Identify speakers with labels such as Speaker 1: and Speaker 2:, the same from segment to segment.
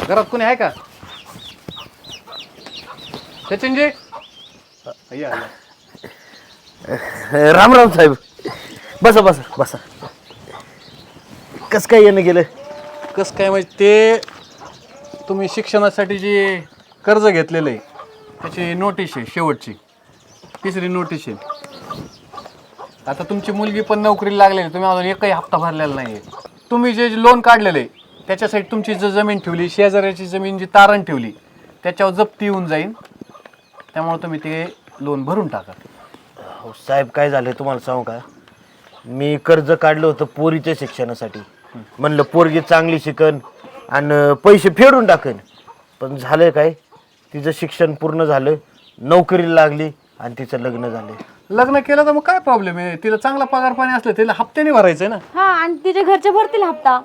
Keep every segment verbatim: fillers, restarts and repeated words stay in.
Speaker 1: घरात कोणी आहे का? सचिनजी या
Speaker 2: राम राम साहेब. बसा बसा बसा. कस काय येणं गेलं?
Speaker 1: कसं काय म्हणजे ते तुम्ही शिक्षणासाठी जे कर्ज घेतलेलं आहे त्याची नोटीस आहे, शेवटची तिसरी नोटीस आहे. आता तुमची मुलगी पण नोकरीला लागलेली आहे, तुम्ही अजून एकही हप्ता भरलेला नाही आहे. तुम्ही जे लोन काढलेलं आहे त्याच्यासाठी तुमची जी जमीन ठेवली, शेजाऱ्याची जमीन जी तारण ठेवली त्याच्यावर जप्ती येऊन जाईल. त्यामुळे तुम्ही ते लोन भरून टाका.
Speaker 2: हो साहेब, काय झालं तुम्हाला सांगू का? मी कर्ज काढलं होतं पोरीच्या शिक्षणासाठी. म्हणलं पोरगी चांगली शिकन आणि पैसे फेडून टाकन. पण झालं काय, तिचं शिक्षण पूर्ण झालं, नोकरीला लागली आणि तिचं लग्न झालं.
Speaker 1: लग्न केलं तर मग काय प्रॉब्लेम आहे? तिला चांगला पगार पाणी असलं तिला हप्त्याने भरायचं आहे ना.
Speaker 3: हा, आणि तिच्या घरचे भरतील हप्ता.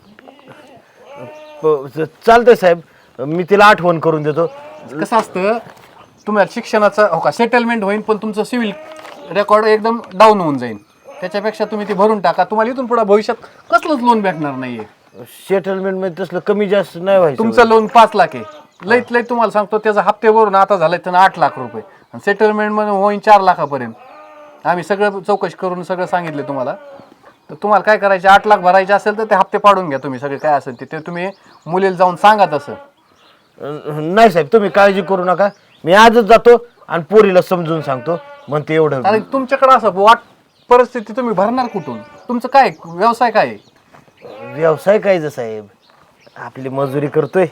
Speaker 2: चालतंय साहेब, मी तिला आठवण करून देतो.
Speaker 1: कसं असतं, तुम्हाला शिक्षणाचं हो का सेटलमेंट होईल, पण तुमचं सिव्हिल रेकॉर्ड एकदम डाऊन होऊन जाईल. त्याच्यापेक्षा तुम्ही ती भरून टाका. तुम्हाला इथून पुढे भविष्यात कसलंच लोन भेटणार नाहीये.
Speaker 2: सेटलमेंट मध्ये तसलं कमी जास्त नाही व्हायचं.
Speaker 1: तुमचं लोन पाच लाख आहे, लईत लईत तुम्हाला सांगतो त्याचा हप्ते भरून आता झालाय त्यांना आठ लाख रुपये आणि सेटलमेंट मध्ये होईन चार लाखापर्यंत. आम्ही सगळं चौकशी करून सगळं सांगितले तुम्हाला. तर तुम्हाला काय करायचे, आठ लाख भरायचे असेल तर ते हप्ते पाडून घ्या तुम्ही सगळे, काय असेल ते ते तुम्ही मुलीला जाऊन सांगा तसं.
Speaker 2: नाही साहेब, तुम्ही काळजी करू नका. मी आजच जातो आणि पोरीला समजून सांगतो. मग ते एवढं
Speaker 1: आणि तुमच्याकडे असं वाट परिस्थिती तुम्ही भरणार कुठून? तुमचं काय व्यवसाय काय आहे?
Speaker 2: व्यवसाय काय साहेब, आपली मजुरी करतोय.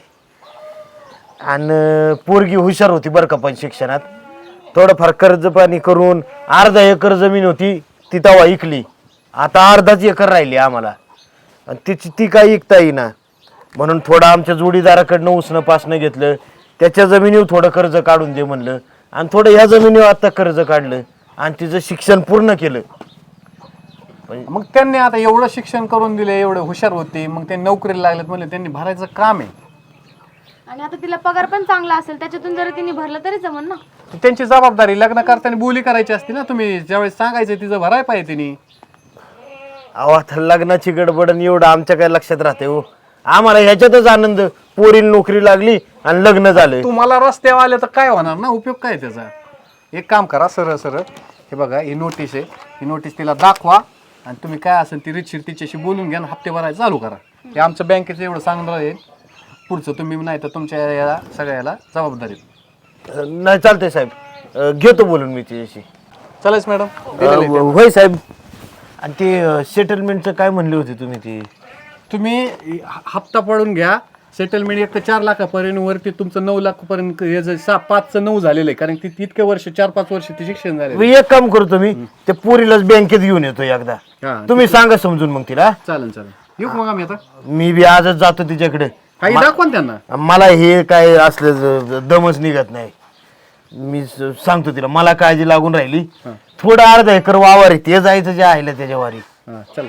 Speaker 2: आणि पोरगी हुशार होती बरं का, पण शिक्षणात थोडंफार कर्ज पाणी करून अर्धा एकर जमीन होती ती तेव्हा इकली. आता अर्धाच एकर राहिली आम्हाला आणि तिची ती काही इकता येईना. म्हणून थोडं आमच्या जोडीदाराकडनं उसणं पासणं घेतलं. त्याच्या जमिनीवर थोडं कर्ज काढून दे म्हणलं आणि थोडं ह्या जमिनीवर आता कर्ज काढलं आणि तिचं शिक्षण पूर्ण केलं.
Speaker 1: मग त्यांनी आता एवढं शिक्षण करून दिले, एवढे हुशार होते, मग ते नोकरीला लागलेत म्हणजे त्यांनी भरायचं काम आहे.
Speaker 3: आणि आता तिला पगार पण चांगला असेल, त्याच्यातून जर तिने भरलं तरी जमन ना.
Speaker 1: त्यांची जबाबदारी. लग्न करताना बोली करायची असते ना तुम्ही, ज्यावेळेस सांगायचं तिचं भराय पाहिजे तिने.
Speaker 2: अहो आता लग्नाची गडबड एवढं आमच्या काय लक्षात राहते हो. आम्हाला ह्याच्यातच आनंद, पोरीला नोकरी लागली आणि लग्न झालं.
Speaker 1: तुम्हाला रस्त्यावर आले तर काय होणार ना, उपयोग काय त्याचा? एक काम करा, सरळ सरळ हे बघा, ही नोटीस आहे, ही नोटीस तिला दाखवा आणि तुम्ही काय असेल ती रितशीर तिच्याशी बोलून घ्या आणि हप्ते भरायला चालू करा. हे आमचं बँकेचं एवढं सांगणार आहे. पुढचं तुम्ही नाही तर तुमच्या याला सगळ्याला जबाबदारी.
Speaker 2: नाही चालतंय साहेब, घेतो बोलून मी तिच्याशी.
Speaker 1: चालेल मॅडम.
Speaker 2: होय साहेब. आणि ते सेटलमेंटचं काय म्हणले होते तुम्ही? ते
Speaker 1: तुम्ही हप्ता पडून घ्या. सेटलमेंट एक तर चार लाखापर्यंत वरती तुमचं नऊ लाखापर्यंत हे सहा पाचचं नऊ झालेलं आहे, कारण ती तितके वर्ष चार पाच वर्ष ते शिक्षण झाले.
Speaker 2: मी एक काम करतो, मी ते पोरीलाच बँकेत घेऊन येतो एकदा. तुम्ही सांगा समजून मग तिला.
Speaker 1: चालेल चालेल, येऊ मग आम्ही आता.
Speaker 2: मी बी आजच जातो तिच्याकडे.
Speaker 1: काही दाखवा ना त्यांना.
Speaker 2: मला हे काय असलं दमच निघत नाही. मी सांगतो तिला, मला काळजी लागून राहिली. थोडं अर्धा एकर वावर आहे, ते जायचं जे आहे त्याच्या वारी.
Speaker 1: हां चल.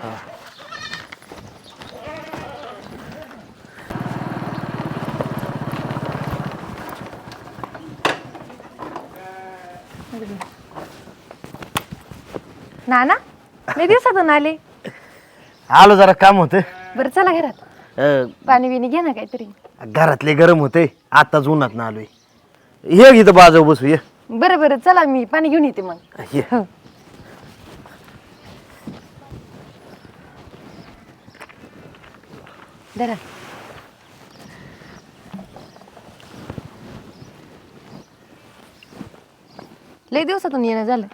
Speaker 3: नाना, लय दिवसातून आले.
Speaker 2: आलो, जरा काम होतं.
Speaker 3: बरं चला घरात,
Speaker 2: अं,
Speaker 3: पाणी बिणी घे ना काहीतरी.
Speaker 2: घरातले गरम होते, आताच उन्हात ना आलोय. ये इथं बाजू बसू ये.
Speaker 3: बरं बरं चला, मी पाणी घेऊन येते मग.
Speaker 2: ये.
Speaker 3: हो. धरा. लय दिवसातून येणं झालं.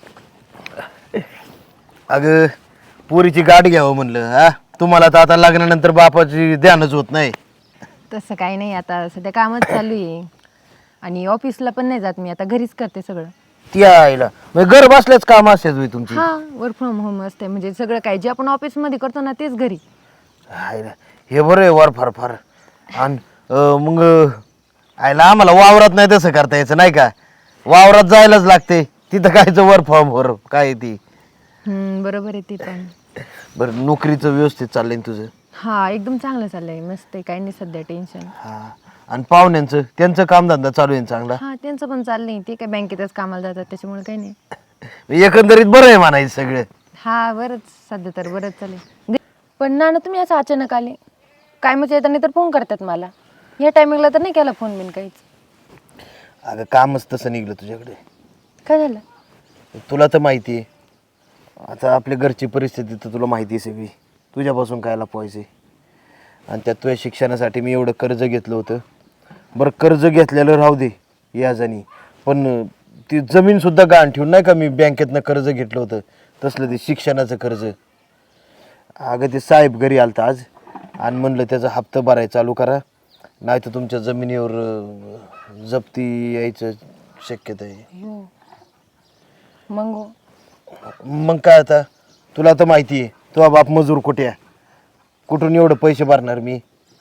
Speaker 2: अगं पोरीची गाठ घ्यावं म्हणलं. हा, तुम्हाला तर आता लग्नानंतर बापाची ध्यानच होत नाही.
Speaker 3: तसं काही नाही, आता सध्या कामच चालू आहे आणि ऑफिसला पण नाही जात मी, आता घरीच करते सगळं.
Speaker 2: ती आईला म्हणजे घर बसल्याच काम असतात होय तुमची?
Speaker 3: हा, वर्क फ्रॉम होम असते, म्हणजे सगळं काय जे आपण ऑफिस मध्ये करतो ना तेच घरी.
Speaker 2: आईला हे बरं आहे वर फार फार. आणि मग आईला आम्हाला वावरात नाही तसं करता यायचं नाही का? वावरात जायलाच लागते, तिथं कायचं वर फॉर्म वर काय ती.
Speaker 3: हम्म, बरोबर आहे ती पण.
Speaker 2: बरं, नोकरीचं व्यवस्थित चाललंय ना तुझं?
Speaker 3: हा, एकदम चांगलं चाललंय, मस्त आहे, काही नाही सध्या टेन्शन.
Speaker 2: हा, आणि पाहुण्यांचं त्यांचं कामधंदा चालू आहे चांगला?
Speaker 3: हा, त्यांचं पण चाललंय, ते काय बँकेतच कामाला जातात त्याच्यामुळे काही नाही.
Speaker 2: एकंदरीत बरं आहे म्हणायचं सगळं.
Speaker 3: हा, बरंच सध्या तर बरंच चालेल. पण ना ना तुम्ही असं अचानक आले काय, म्हणजे येताना तर फोन करतात मला. या टायमिंगला तर नाही केला फोन बिन काहीच.
Speaker 2: अगं कामच तसं निघलं तुझ्याकडे.
Speaker 3: काय झालं?
Speaker 2: तुला तर माहिती आहे आता आपल्या घरची परिस्थिती तर तुला माहिती आहे सगळी. तुझ्यापासून काय लपवायचे आणि त्यात तुझ्या शिक्षणासाठी मी एवढं कर्ज घेतलं होतं. बरं कर्ज घेतलेलं राहू दे याजानी, पण ती जमीनसुद्धा गहाण ठेवून नाही का मी बँकेतनं कर्ज घेतलं होतं तसलं ते शिक्षणाचं कर्ज. अगं ते साहेब घरी आलता आज आणि म्हणलं त्याचा हप्ता भरायला चालू करा नाही तर तुमच्या जमिनीवर अं, जप्ती यायचं शक्यता आहे.
Speaker 3: हो. मग
Speaker 2: मग काय आता तुला तर माहिती आहे तुझा बाप मजूर कुठे आहे, कुठून एवढं पैसे भरणार मी.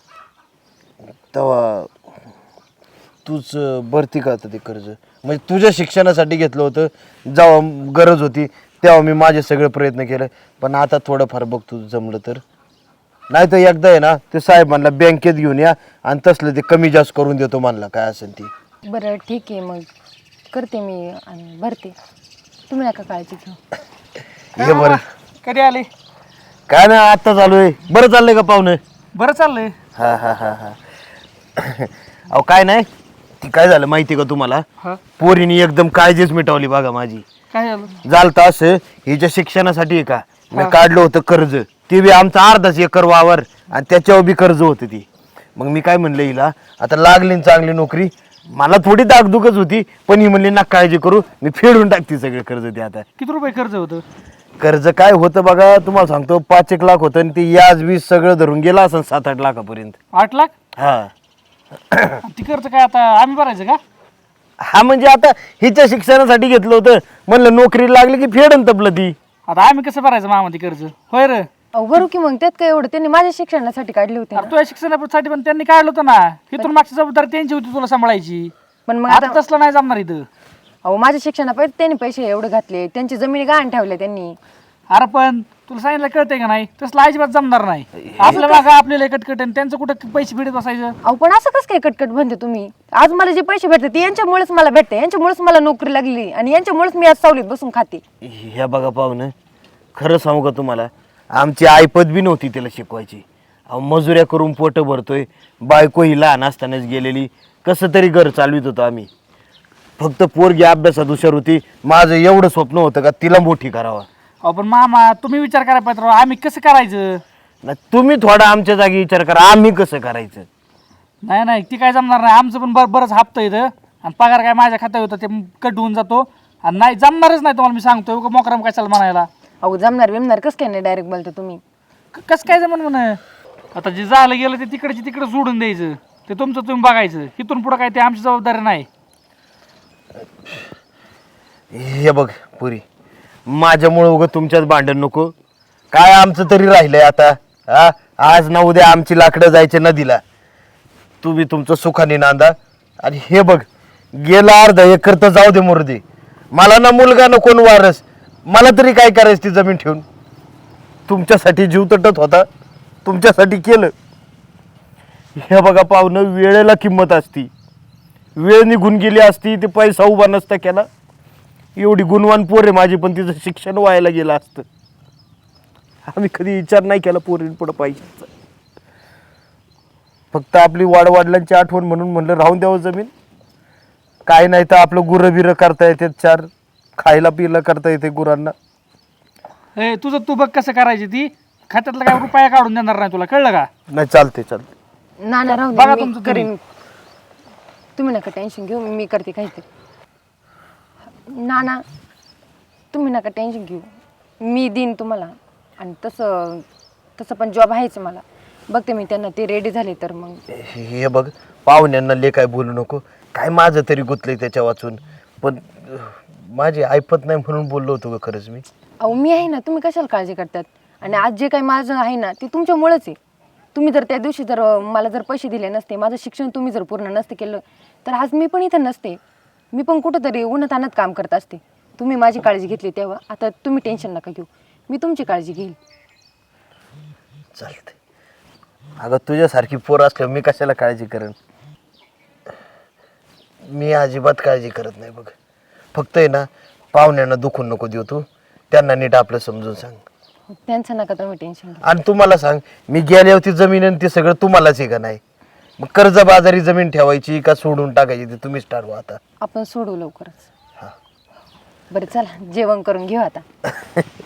Speaker 2: तेव्हा तूच भरती का आता ते कर्ज, म्हणजे तुझ्या शिक्षणासाठी घेतलं होतं. जेव्हा गरज होती तेव्हा मी माझे सगळे प्रयत्न केले, पण आता थोडंफार बघ तुझं जमलं तर. नाही तर एकदा आहे ना ते साहेब म्हणला बँकेत घेऊन या आणि तसलं ते कमी जास्त करून देतो म्हणला काय असेल ती.
Speaker 3: बरं ठीक आहे, मग करते मी आणि भरते. तुम्ही नका काळजी घेऊ.
Speaker 2: हे बरं
Speaker 4: कधी आले?
Speaker 2: काय नाही आत्ता चालू आहे. बरं चाललंय का पाहुणे?
Speaker 4: बरं चाललंय.
Speaker 2: हा हा हा हा अहो काय नाही ती काय झालं माहिती का तुम्हाला,
Speaker 4: हा
Speaker 2: पोरीने एकदम काळजीच मिटवली बघा माझी.
Speaker 4: काय झालं?
Speaker 2: झालं तर असं हिच्या शिक्षणासाठी आहे का मी काढलं होतं कर्ज, ते बी आमचा अर्धाच एकर वावर आणि त्याच्यावर बी कर्ज होतं ती. मग मी काय म्हणलं हिला आता लागली ना चांगली नोकरी, मला थोडी दागदुखच होती पण ही म्हणली ना काळजी करू मी फेडून टाकते सगळे कर्ज ते. आता
Speaker 4: किती रुपये कर्ज होतं?
Speaker 2: कर्ज काय होतं बघा तुम्हाला सांगतो पाच एक लाख होतं आणि ते याज वीज सगळं धरून गेला असं सात आठ लाखापर्यंत.
Speaker 4: आठ लाख?
Speaker 2: हा
Speaker 4: ती कर्ज काय आता आम्ही भरायचं का?
Speaker 2: हा म्हणजे आता हिच्या शिक्षणासाठी घेतलं होतं म्हणलं नोकरी लागली की फेडन तपलं ती.
Speaker 4: आता आम्ही कसं भरायचं मामा ती कर्ज? होय रे.
Speaker 3: अहो बरं की मग त्यात काय एवढं, त्यांनी माझ्या शिक्षणासाठी काढले होते ना.
Speaker 4: अरे तुझ्या शिक्षणासाठी पण त्यांनी काढलं होतं ना, इथून मागची जबाबदारी त्यांची होती तुला सांभाळायची.
Speaker 3: पण मग
Speaker 4: आता
Speaker 3: आता
Speaker 4: तसलं नाही जमणार इथं.
Speaker 3: अहो माझ्या शिक्षणापासून त्यांनी पैसे एवढे घातले, त्यांची जमिनी गहाण ठेवल्या त्यांनी.
Speaker 4: अरे पण तुला सांगितलं कळतंय का नाही, तसलं अजिबात जमणार नाही. आपल्या मागं आपल्याला कटकट आणि त्यांचं कुठं पैसे फेडत बसायचं.
Speaker 3: अहो पण असं कसं काय कटकट म्हणते तुम्ही? आज मला जे पैसे भेटते ते यांच्यामुळेच मला भेटते, यांच्यामुळेच मला नोकरी लागली आणि यांच्यामुळेच मी आज सावलीत बसून खाते.
Speaker 2: ह्या बघा पाहुणं खरं सांगू का तुम्हाला, आमची आईपत बी नव्हती त्याला शिकवायची. अहो मजुऱ्या करून पोटं भरतोय, बायको ही लहान असतानाच गेलेली, कसं तरी घर चालवित होतो आम्ही. फक्त पोरगी अभ्यासात हुशार होती, माझं एवढं स्वप्न होतं का तिला मोठी करावा.
Speaker 4: अहो पण मामा तुम्ही विचार करायला पाहिजे राव, आम्ही कसं करायचं?
Speaker 2: ना तुम्ही थोडा आमच्या जागी विचार करा आम्ही कसं करायचं.
Speaker 4: नाही नाही ती काय जमणार नाही. आमचं पण बर बरंच हप्ता येतं आणि पगार काय माझ्या खात्यात होतं ते कट होऊन जातो आणि नाही जमणारच नाही तुम्हाला मी सांगतो. मोकराम कशाला म्हणायला?
Speaker 3: अहो जमणार बिमणार कसं काय नाही डायरेक्ट बोलता तुम्ही.
Speaker 4: क- कसं काय जमन म्हण? आता जे झालं गेलं ते तिकडचे तिकडे सोडून द्यायचं, ते तुमचं तुम्ही बघायचं. इथून पुढं काय ते आमची जबाबदारी नाही.
Speaker 2: हे बघ पुरी माझ्यामुळं उगं तुमच्याच भांडण नको. काय आमचं तरी राहिलंय आता. हा आज ना उद्या आमची लाकडं जायचे नदीला, तुम्ही तुमचं सुखाने नांदा. आणि हे बघ गेला अर्धा एकर तर जाऊ दे मुर्दे, मला ना मुलगा ना कोण वारस, मला तरी काय करायचं ती जमीन ठेवून. तुमच्यासाठी जीव तटत होता, तुमच्यासाठी केलं. हे बघा पाहुणं वेळेला किंमत असती, वेळ निघून गेली असती ते पैसा उभा नसता केला. एवढी गुणवान पोर आहे माझी पण तिचं शिक्षण व्हायला गेलं असतं. आम्ही कधी विचार नाही केला पोरीन पुढं पैशाचा. फक्त आपली वाडवडिलांची आठवण म्हणून म्हणलं राहून द्यावं जमीन. काय नाही तर आपलं गुरं बिरं करता येते, चार खायला पियला करता येते गुरांना.
Speaker 4: ए तुझं तू बघ कसं करायची. ती खात्यातला काय रुपया काढून देणार नाही तुला, कळलं का?
Speaker 2: नाही चालते चालते.
Speaker 3: ना ना राहू
Speaker 4: बघा
Speaker 3: दे,
Speaker 4: तुमचं
Speaker 3: मी
Speaker 4: तुम्ही.
Speaker 3: करीन. तुम्ही नका टेन्शन घेऊ, मी करते काहीतरी. ना ना तुम्ही नका टेन्शन घेऊ, मी देईन तुम्हाला. आणि तसं तसं पण जॉब आहेच मला. बघते मी त्यांना, ते रेडी झाले तर मग.
Speaker 2: हे बघ पाहुण्यांना ले काय बोलू नको, काय माझं तरी गुतलंय त्याच्या वाचून. पण अह, माझी ऐपत नाही म्हणून बोललो होतो ग खरंच मी.
Speaker 3: अहो मी आहे ना, तुम्ही कशाला काळजी करतात? आणि आज जे काही माझं आहे ना ते तुमच्यामुळेच आहे. तुम्ही जर त्या दिवशी जर अं, मला जर पैसे दिले नसते, माझं शिक्षण तुम्ही जर पूर्ण नसते केलं तर आज मी पण इथं नसते. मी पण कुठंतरी उन्हातान्हात काम करत असते. तुम्ही माझी काळजी घेतली तेव्हा. आता तुम्ही टेन्शन नका घेऊ, मी तुमची काळजी घेईल.
Speaker 2: चालते. अगं तुझ्यासारखी पोर असल्यावर मी कशाला काळजी करेन. मी अजिबात काळजी करत नाही बघ. फक्त आहे ना पाहुण्यांना दुखून नको देऊ तू, त्यांना नीट आपलं समजून सांग.
Speaker 3: त्यांचं नका तुम्ही टेन्शन घेऊ.
Speaker 2: आणि तुम्हाला सांग मी गेल्यावरती जमीन आणि ते सगळं तुम्हालाच आहे का नाही. मग कर्जबाजारी जमीन ठेवायची का सोडून टाकायची ते तुम्हीच ठरवा आता.
Speaker 3: आपण सोडू लवकरच. बरं चला जेवण करून घेऊ आता.